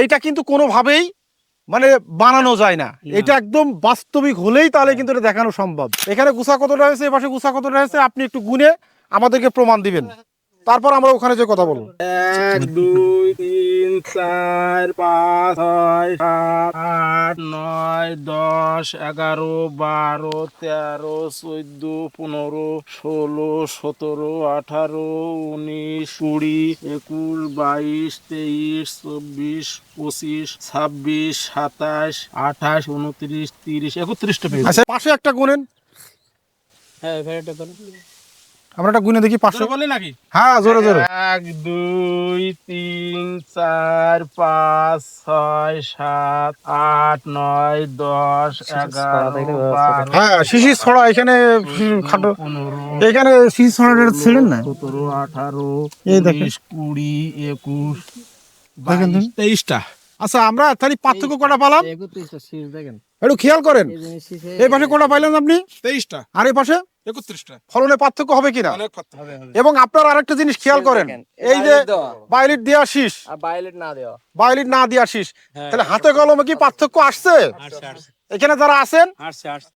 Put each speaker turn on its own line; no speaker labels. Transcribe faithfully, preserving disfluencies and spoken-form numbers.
এইটা কিন্তু কোনোভাবেই মানে বানানো যায় না, এটা একদম বাস্তবিক হলেই তাহলে কিন্তু এটা দেখানো সম্ভব। এখানে গুছা কতটা হয়েছে, এ পাশে গুছা কতটা হয়েছে, আপনি একটু গুনে আমাদেরকে প্রমাণ দিবেন, তারপর আমরা ওখানে যে কথা বলবো।
এক দুই তিন চার পাঁচ ছয় সাত আট নয় দশ এগারো বারো তেরো চোদ্দ পনেরো ষোলো সতেরো আঠারো উনিশ কুড়ি একুশ বাইশ তেইশ চব্বিশ পঁচিশ ছাব্বিশ সাতাশ আঠাশ উনত্রিশ তিরিশ একত্রিশটা পেজ।
আচ্ছা পাশে একটা গুনেন,
হ্যাঁ ভেড়াটা ধরো।
আমরা একটা গুনে দেখি পাশে।
বলে নাকি?
হ্যাঁ জোরে জোরে।
এক দুই তিন চার পাঁচ ছয় সাত আট নয় দশ এগারো বারো
হ্যাঁ শিশির ছড়া এখানে হুম, খাটো
পনেরো
এখানে শিশির ছড়াটা ছিলেন না।
সতেরো আঠারো
এই দেখেন।
উনিশ কুড়ি একুশ
দেখেন
বাইশ
তো।
তেইশটা।
আচ্ছা আমরা তাহলে পার্থক্য কটা পালাম
একত্রিশটা শীষ দেখেন।
একটু খেয়াল করেন, এই পাশে কটা পাইলেন আপনি,
তেইশটা
আর এই পাশে
একত্রিশটা।
ফলনে পার্থক্য হবে কিনা।
অনেক পার্থক্য হবে।
এবং আপনার আরেকটা জিনিস খেয়াল করেন, এই যে বায়োলিট দেওয়া শীষ,
বায়োলেট না দেওয়া
বায়োলিট না দেওয়া শীষ, তাহলে হাতে কলমে কি পার্থক্য আসছে? এখানে যারা আছেন
আসছে আসছে